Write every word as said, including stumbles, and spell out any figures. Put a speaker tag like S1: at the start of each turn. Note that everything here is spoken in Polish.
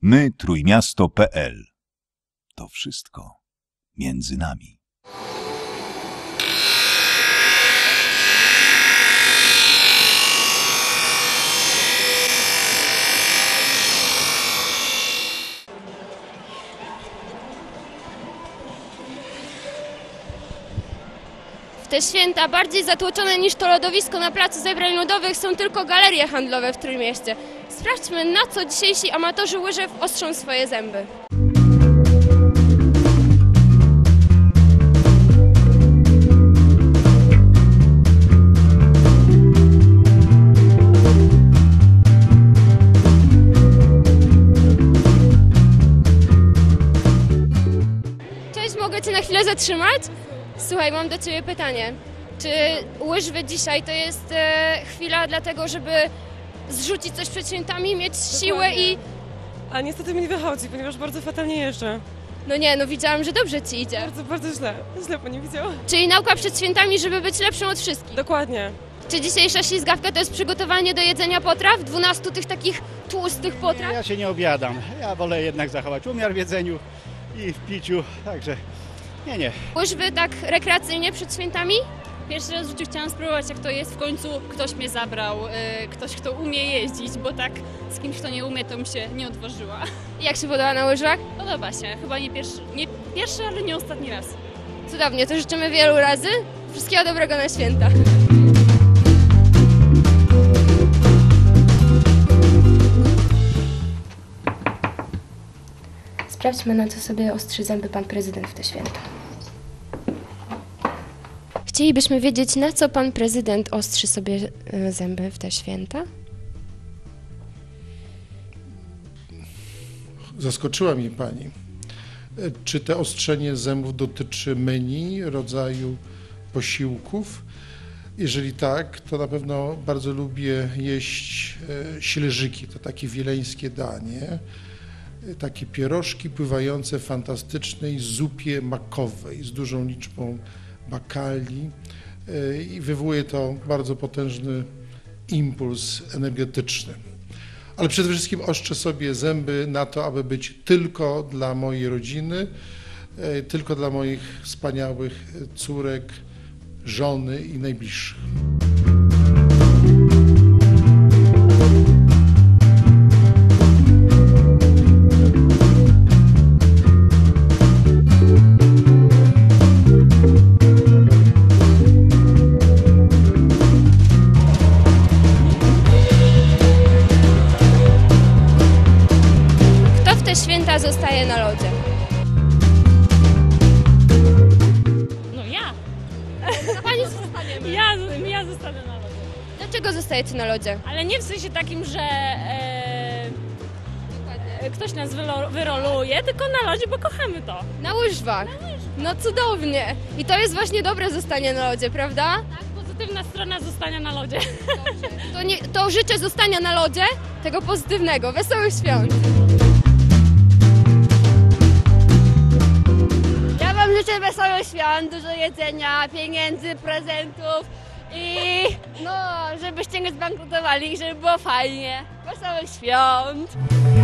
S1: my trójmiasto kropka pe el. To wszystko między nami.
S2: W te święta bardziej zatłoczone niż to lodowisko na placu Zebrań Ludowych są tylko galerie handlowe w Trójmieście. Sprawdźmy, na co dzisiejsi amatorzy łyżew ostrzą swoje zęby. Cześć, mogę Cię na chwilę zatrzymać? Słuchaj, mam do Ciebie pytanie. Czy łyżwy dzisiaj to jest e, chwila dlatego, żeby zrzucić coś przed świętami, mieć siłę i...
S3: A niestety mi nie wychodzi, ponieważ bardzo fatalnie jeżdżę.
S2: No nie, no widziałam, że dobrze Ci idzie.
S3: Bardzo, bardzo źle. Źle Pani widziała.
S2: Czyli nauka przed świętami, żeby być lepszą od wszystkich.
S3: Dokładnie.
S2: Czy dzisiejsza ślizgawka to jest przygotowanie do jedzenia potraw? dwunastu tych takich tłustych potraw?
S4: Ja się nie obiadam. Ja wolę jednak zachować umiar w jedzeniu i w piciu, także nie, nie.
S2: Łyżwy tak rekreacyjnie przed świętami?
S5: Pierwszy raz w życiu chciałam spróbować, jak to jest. W końcu ktoś mnie zabrał, yy, ktoś, kto umie jeździć, bo tak z kimś, kto nie umie, to bym się nie odważyła.
S2: Jak się podoba na łyżwach?
S5: Podoba się. Chyba nie pierwszy, nie pierwszy, ale nie ostatni raz.
S2: Cudownie, to życzymy wielu razy. Wszystkiego dobrego na święta. Sprawdźmy, na co sobie ostrzy zęby pan prezydent w te święta. Chcielibyśmy wiedzieć, na co pan prezydent ostrzy sobie zęby w te święta?
S6: Zaskoczyła mnie pani. Czy to ostrzenie zębów dotyczy menu, rodzaju posiłków? Jeżeli tak, to na pewno bardzo lubię jeść śleżyki. To takie wileńskie danie. Takie pierożki pływające w fantastycznej zupie makowej z dużą liczbą bakali i wywołuje to bardzo potężny impuls energetyczny. Ale przede wszystkim ostrzę sobie zęby na to, aby być tylko dla mojej rodziny, tylko dla moich wspaniałych córek, żony i najbliższych.
S2: Święta zostaje na lodzie.
S5: No ja!
S2: A pani zostaniemy.
S5: Ja, ja zostanę na lodzie.
S2: Dlaczego zostajecie na lodzie?
S5: Ale nie w sensie takim, że e, ktoś nas wylo, wyroluje, tylko na lodzie, bo kochamy to.
S2: Na łyżwach.
S5: Na łyżwach.
S2: No cudownie. I to jest właśnie dobre zostanie na lodzie, prawda?
S5: Tak, pozytywna strona zostania na lodzie.
S2: To, nie, to życzę zostania na lodzie, tego pozytywnego. Wesołych świąt.
S7: Ja wam życzę wesołych świąt, dużo jedzenia, pieniędzy, prezentów i no, żebyście nie zbankrutowali i żeby było fajnie. Wesołych świąt!